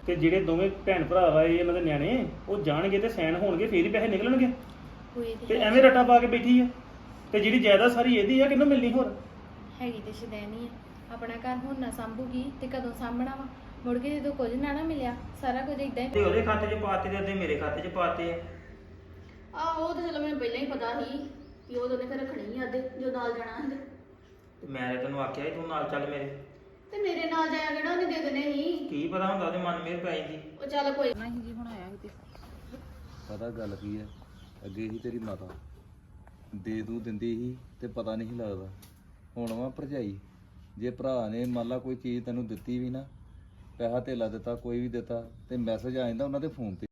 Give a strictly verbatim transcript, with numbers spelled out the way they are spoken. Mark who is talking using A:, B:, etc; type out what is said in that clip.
A: ਤੇ ਜਿਹੜੇ ਦੋਵੇਂ ਭੈਣ ਭਰਾ ਵਾ ਇਹ ਇਹਨਾਂ ਦੇ ਨਿਆਣੇ ਉਹ ਜਾਣਗੇ ਤੇ ਸੈਨ ਹੋਣਗੇ ਫੇਰ ਹੀ ਪੈਸੇ ਨਿਕਲਣਗੇ
B: ਹੋਏ
A: ਤੇ
B: ਤੇ
A: ਐਵੇਂ ਰੱਟਾ ਪਾ ਕੇ ਬੈਠੀ ਆ ਤੇ ਜਿਹੜੀ ਜਾਇਦਾਦ ਸਾਰੀ ਇਹਦੀ ਆ ਕਿਹਨੂੰ ਮਿਲਣੀ ਹੋਰ
B: ਹੈਗੀ ਤੇ ਸ਼ਦੈਨੀ ਆ ਆਪਣਾ ਘਰ ਹੁਣ ਨਾ ਸੰਭੂਗੀ ਤੇ ਕਦੋਂ ਸਾਂਭਣਾ ਵਾ ਮੁੜ ਕੇ ਜਦੋਂ ਕੁਝ ਨਾ ਨਾ ਮਿਲਿਆ ਸਾਰਾ ਕੁਝ ਇਦਾਂ ਹੀ
C: ਤੇ ਉਹਦੇ ਖਾਤੇ 'ਚ ਪਾਤੇ ਤੇ ਅੱਧੇ ਮੇਰੇ ਖਾਤੇ 'ਚ ਪਾਤੇ ਆ।
D: ਆ ਉਹ ਤਾਂ ਚਲੋ ਮੈਨੂੰ ਪਹਿਲਾਂ ਹੀ ਪਤਾ ਸੀ ਕਿ ਉਹ ਦੋਨੇ ਫਿਰ ਰੱਖਣੀ ਆ ਅੱਧੇ ਜੋ ਨਾਲ ਜਾਣਾ ਸੀ
C: ਤੇ ਮੈਂ ਤੇ ਤੈਨੂੰ ਆਖਿਆ ਸੀ ਤੂੰ ਨਾਲ ਚੱਲ ਮੇਰੇ।
D: ਤੇ ਮੇਰੇ ਨਾਲ ਜਾਇਆ ਕਿਹੜਾ ਉਹਨੇ ਦੇ ਦੇਣੇ ਸੀ।
C: ਕੀ ਪਤਾ ਹੁੰਦਾ ਉਹਦੇ ਮਨ ਮੇਰ ਪੈ ਜਾਂਦੀ।
D: ਉਹ ਚੱਲ ਕੋਈ
B: ਨਹੀਂ ਜੀ ਹੁਣ ਆਇਆ ਸੀ ਤੇ
E: ਪਤਾ ਗੱਲ ਕੀ ਹੈ ਅੱਗੇ ਹੀ ਤੇਰੀ ਮਾਤਾ ਦੇ ਦੂ ਦਿੰਦੀ ਸੀ ਤੇ ਪਤਾ ਨਹੀਂ ਸੀ ਲੱਗਦਾ। ਹੁਣ ਵਾ ਭਰਜਾਈ ਜੇ ਭਰਾ ਨੇ ਮੰਨ ਲਾ ਕੋਈ ਚੀਜ਼ ਤੈਨੂੰ ਦਿੱਤੀ ਵੀ ਨਾ ਪੈਸਾ ਧੇਲਾ ਦਿੱਤਾ ਕੋਈ ਵੀ ਦਿੱਤਾ ਤੇ ਮੈਸੇਜ ਆ ਜਾਂਦਾ ਉਹਨਾਂ ਦੇ ਫੋਨ ਤੇ